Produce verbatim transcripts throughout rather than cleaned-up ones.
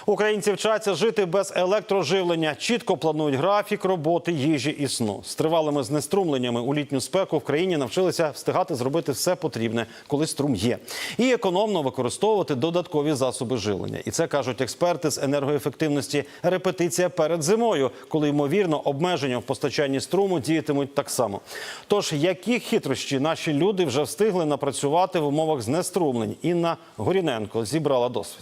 Українці вчаться жити без електроживлення. Чітко планують графік роботи, їжі і сну. З тривалими знеструмленнями у літню спеку в країні навчилися встигати зробити все потрібне, коли струм є. І економно використовувати додаткові засоби живлення. І це, кажуть експерти з енергоефективності, репетиція перед зимою, коли, ймовірно, обмеження в постачанні струму діятимуть так само. Тож, які хитрощі наші люди вже встигли напрацювати в умовах знеструмлень? Інна Горіненко зібрала досвід.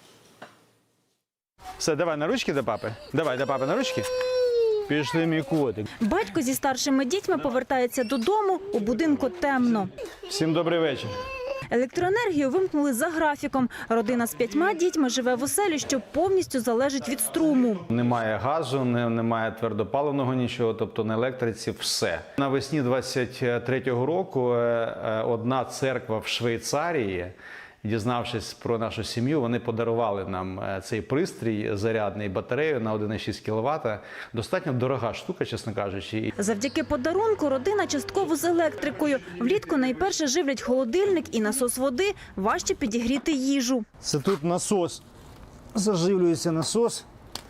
Все, давай на ручки до папи. Давай до папи на ручки. Пішли, мій котик. Батько зі старшими дітьми повертається додому, у будинку темно. Всім добрий вечір. Електроенергію вимкнули за графіком. Родина з п'ятьма дітьми живе в оселі, що повністю залежить від струму. Немає газу, не, немає твердопаливного нічого, тобто на електриці все. Навесні двадцять третього року одна церква в Швейцарії, дізнавшись про нашу сім'ю, вони подарували нам цей пристрій зарядний, батарею на один і шість кіловата. Достатньо дорога штука, чесно кажучи. Завдяки подарунку родина частково з електрикою. Влітку найперше живлять холодильник і насос води, важче підігріти їжу. Це тут насос, заживлюється насос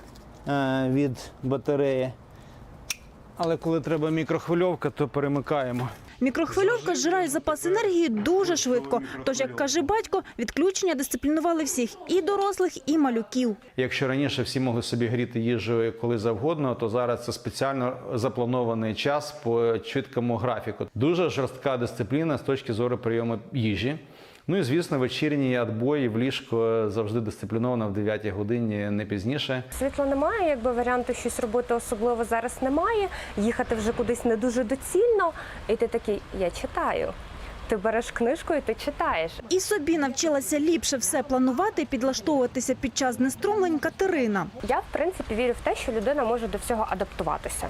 е, від батареї. Але коли треба мікрохвильовка, то перемикаємо. Мікрохвильовка зжирає запас енергії дуже швидко. Тож, як каже батько, відключення дисциплінували всіх – і дорослих, і малюків. Якщо раніше всі могли собі гріти їжу коли завгодно, то зараз це спеціально запланований час по чіткому графіку. Дуже жорстка дисципліна з точки зору прийому їжі. Ну і, звісно, вечірній відбой в ліжко завжди дисципліновано в дев'ятій годині, не пізніше. Світла немає, якби варіанту щось робити особливо зараз немає. Їхати вже кудись не дуже доцільно. І ти такий, я читаю. Ти береш книжку і ти читаєш. І собі навчилася ліпше все планувати і підлаштовуватися під час знеструмлень Катерина. Я, в принципі, вірю в те, що людина може до всього адаптуватися.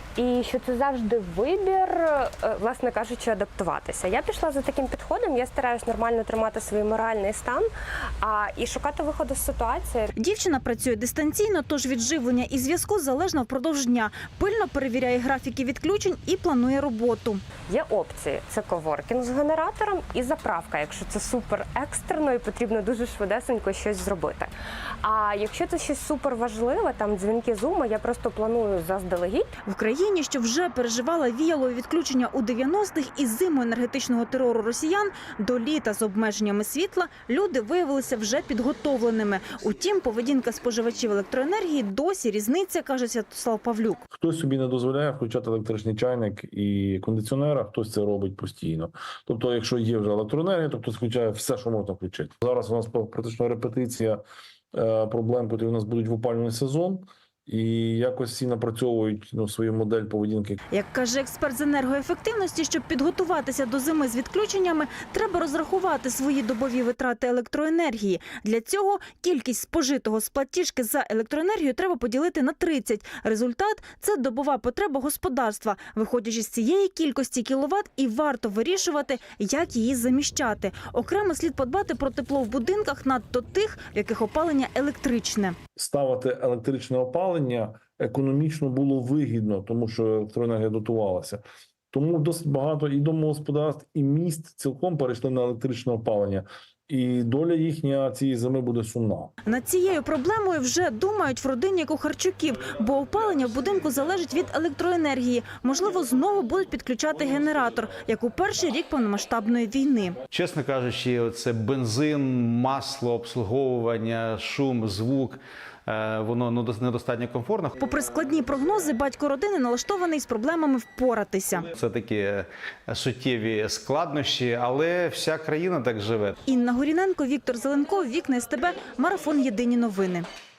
І що це завжди вибір, власне кажучи, адаптуватися. Я пішла за таким підходом, я стараюсь нормально тримати свій моральний стан а, і шукати виходу з ситуації. Дівчина працює дистанційно, тож від живлення і зв'язку залежно впродовж дня. Пильно перевіряє графіки відключень і планує роботу. Є опції – це коворкінг з генератором і заправка, якщо це супер екстрено і потрібно дуже швидесенько щось зробити. А якщо це щось супер важливе, там дзвінки Зуму, я просто планую заздалегідь. В країні, що вже переживала віялові відключення у дев'яностих і зиму енергетичного терору росіян, до літа з обмеженнями світла люди виявилися вже підготовленими. Утім, поведінка споживачів електроенергії досі різниця, каже Святослав Павлюк. Хтось собі не дозволяє включати електричний чайник і кондиціонер, а хтось це робить постійно. Тобто, якщо є вже електроенергія, то хтось включає все, що можна включити. Зараз у нас практично репетиція проблем, які у нас будуть в опалювальний сезон. І якось всі напрацьовують ну, свою модель поведінки. Як каже експерт з енергоефективності, щоб підготуватися до зими з відключеннями, треба розрахувати свої добові витрати електроенергії. Для цього кількість спожитого з платіжки за електроенергію треба поділити на тридцять. Результат – це добова потреба господарства. Виходячи з цієї кількості кіловат, і варто вирішувати, як її заміщати. Окремо слід подбати про тепло в будинках, надто тих, в яких опалення електричне. Ставити електричне опалення економічно було вигідно, тому що електроенергія дотувалася. Тому досить багато і домогосподарств, і міст цілком перейшли на електричне опалення. І доля їхня цієї зими буде сумна. Над цією проблемою вже думають в родині Кухарчуків, бо опалення в будинку залежить від електроенергії. Можливо, знову будуть підключати генератор, як у перший рік повномасштабної війни. Чесно кажучи, це бензин, масло, обслуговування, шум, звук. Воно недостатньо комфортно. Попри складні прогнози, батько родини налаштований з проблемами впоратися. Це такі суттєві складнощі, але вся країна так живе. Інна Горіненко, Віктор Зеленков, Вікна СТБ, Марафон. Єдині новини.